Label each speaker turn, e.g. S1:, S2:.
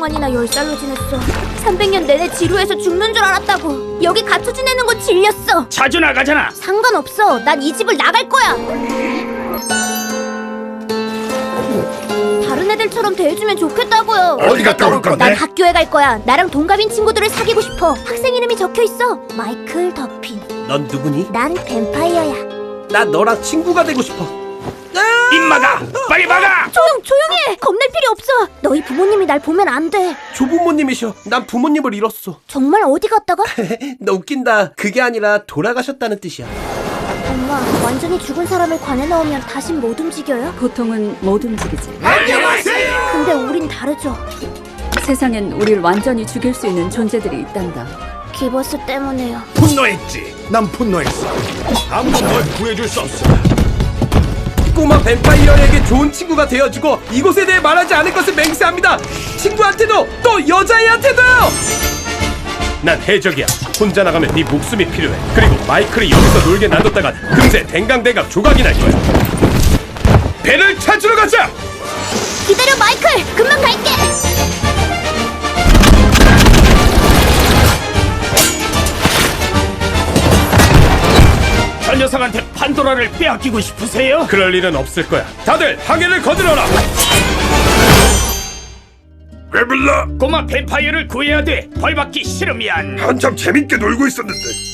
S1: 동안이나 10살로 지냈어. 300년 내내 지루해서 죽는 줄 알았다고. 여기 갇혀 지내는 거 질렸어.
S2: 자주 나가잖아.
S1: 상관없어. 난 이 집을 나갈 거야. 다른 애들처럼 대해주면 좋겠다고요.
S3: 어디 갔다 올 건데?
S1: 난 학교에 갈 거야. 나랑 동갑인 친구들을 사귀고 싶어. 학생 이름이 적혀있어. 마이클 더핀.
S4: 넌 누구니?
S1: 난 뱀파이어야.
S4: 나 너랑 친구가 되고 싶어.
S2: 입 막아! 빨리 막아!
S1: 조용히 해. 겁낼 필요 없어. 너희 부모님이 날 보면 안 돼.
S4: 조부모님이셔. 난 부모님을 잃었어.
S1: 정말 어디 갔다가?
S4: 너 웃긴다. 그게 아니라 돌아가셨다는 뜻이야.
S1: 엄마, 완전히 죽은 사람을 관에 넣으면 다신 못 움직여요?
S5: 보통은 못 움직이지.
S3: 안녕하세요.
S1: 근데 우린 다르죠.
S5: 세상엔 우릴 완전히 죽일 수 있는 존재들이 있단다.
S1: 기버스 때문에요.
S3: 분노했지. 난 분노했어. 아무도 널 구해줄 수 없어.
S4: 꼬마 뱀파이어에게 좋은 친구가 되어주고 이곳에 대해 말하지 않을 것을 맹세합니다. 친구한테도 또 여자애한테도요.
S6: 난 해적이야. 혼자 나가면 네 목숨이 필요해. 그리고 마이클이 여기서 놀게 놔뒀다간 금세 댕강댕강 조각이 날 거야. 배를 찾으러 가자!
S1: 기다려, 마이클! 금방 갈게!
S2: 저 녀석한테 판도라를 빼앗기고 싶으세요?
S6: 그럴 일은 없을 거야. 다들 항해를 거들어라!
S3: 왜 불러?
S2: 꼬마 뱀파이어를 구해야 돼. 벌받기 싫으면.
S3: 한참 재밌게 놀고 있었는데.